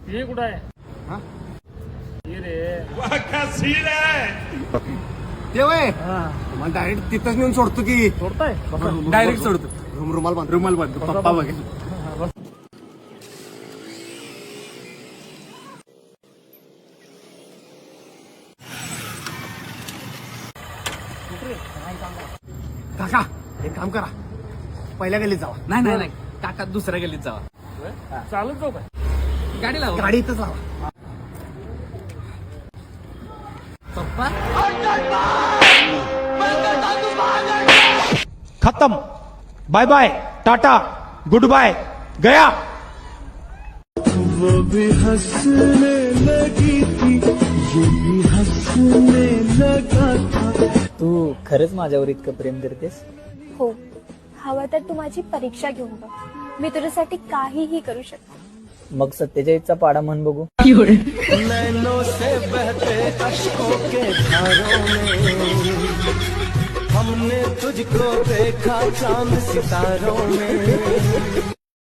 ये कुठं आहे हा? ये रे ते वय मग डायरेक्ट तिथंच नेऊन सोडतो की सोडताय डायरेक्ट सोडतो रुमाल बांधतो पप्पा बघेल. काका एक काम करा पहिल्या गल्लीत जावा. नाही काका दुसऱ्या गल्लीत जावा. चालत जाऊ काय गाडी लावा. गाडी इथंच लावा. पप्पा खत्म. Bye bye tata goodbye गया. वो भी हंसने लगी थी ये भी हंसने लगा था. तू खरंच माझ्यावर इतकं प्रेम करतेस? हो, हवं तर तू माझी परीक्षा घेऊन बघ. मी तुझ्यासाठी काहीही करू शकते. मग 47चा पाडा म्हण बघू. नैनों से बहते अश्कों के धारों में हमने तुझको देखा चांद सितारों में.